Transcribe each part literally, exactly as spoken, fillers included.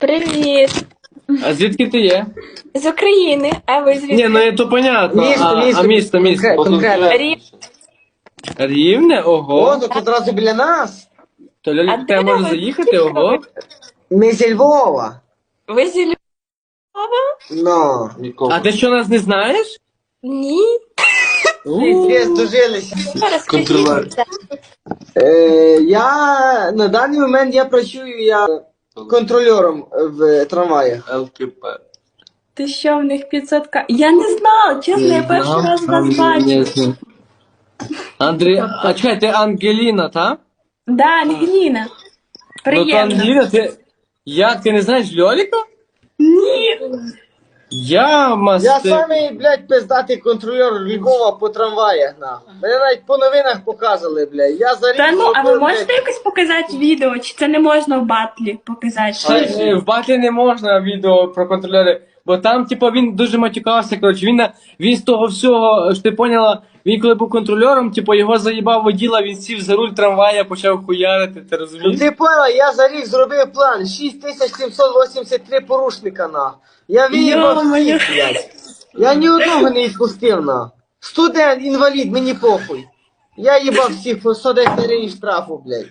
Привіт. А звідки ти є? З України. А ви звідки? Ні, ну то понятно. Місто, а, місто, а місто, місто. конкрет- конкретно. Рі- Рівне? Ого. О, то тут одразу біля нас. То А Льолік, де тебе може ви? заїхати, ого. Ми зі Львова. Ви зі Львова? Ну. А ти що, нас не знаєш? Ні. Ми здружилися. Контролер. Розкажіть. Е, я на даний момент я працюю я контрольором в трамваях. ЛКП. Ти що, в них п'ятсот к... Я не знала, чесно, я перший раз вас бачу. Андрій, а чекай, ти Ангеліна, та? Да, Ангеліна. Ну то Приємно. Ангеліна, ти... Як, ти не знаєш Льоліка? Ні. Я Я масти... самий, блядь, пиздатий контрольор Львова по трамваях, нахуй. Мене навіть по новинах показували, блядь. Я за рік Та ну, а ви зробив, можете блядь, якось показати відео, чи це не можна в батлі показати? А, е, В батлі не можна відео про контролери, бо там, типу, він дуже матюкався, коротше, він, на- він з того всього, що ти поняла, він коли був контрольором, типу, його заїбав воділа, він сів за руль трамвая, почав хуярити, ти Ну, розумієш? ти поняла, я за рік зробив план. шість тисяч сімсот вісімдесят три порушника, на. Я виїбав Йо-моє. всіх, блядь. Я ні одного не відпустив, на. Студент, інвалід, мені похуй. Я їбав всіх по сто десять гривень штрафу, блядь.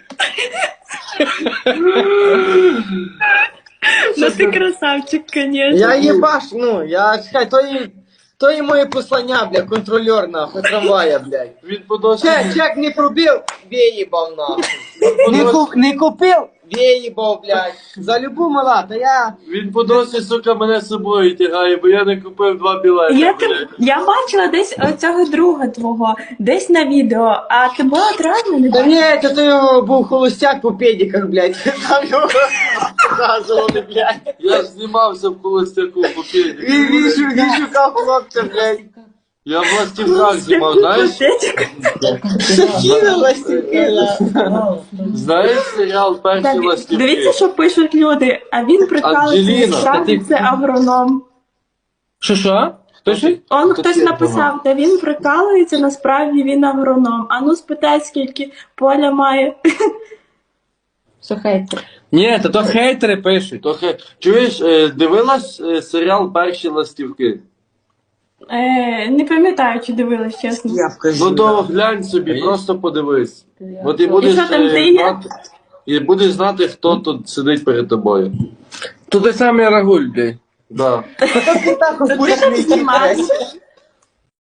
Ну ти красавчик, звісно. Я їбаш, ну, я, чекай, то і, то і моє послання, блядь, контрольор, нахуй, трамвая, блядь. Він подосі... Чек, чек не пробив, виїбав, нахуй. Не, куп, не купив, виїбав, блядь. За любу мала, та я... Він по досі, сука, мене з собою тягає, бо я не купив два білети. Я, ти, я бачила десь оцього друга твого, десь на відео, а тебе одразу не Та бачила. ні, це то його був холостяк по педиках, блядь. Там його показували, блядь. Я ж знімався в холостяку по Він, він, шу- він шукав хлопця, блядь. Я в ластівках знімав, знаєш? Закинула ластівки. Знаєш серіал «Перші Так, ластівки»? дивіться, що пишуть люди, а він прикалується, Анджеліна, справді та ти- це агроном. Що, що? Хто ж? Он хтось написав, та він прикалується, насправді він агроном. А ну спитай, скільки поля має. Слухайте. Ні, то то хейтери пишуть. То хей... Чуєш, е, дивилась е, серіал «Перші ластівки»? Е, не пам'ятаю, чи дивилась, чесно. Я вкажу. Ну то глянь собі, просто подивись. Бо ти будеш, що там, е, ти є? знати, і будеш знати, хто тут сидить перед тобою. То ти самий Рагуль, блядь. Да. Та ти так Та ти там знімаєш.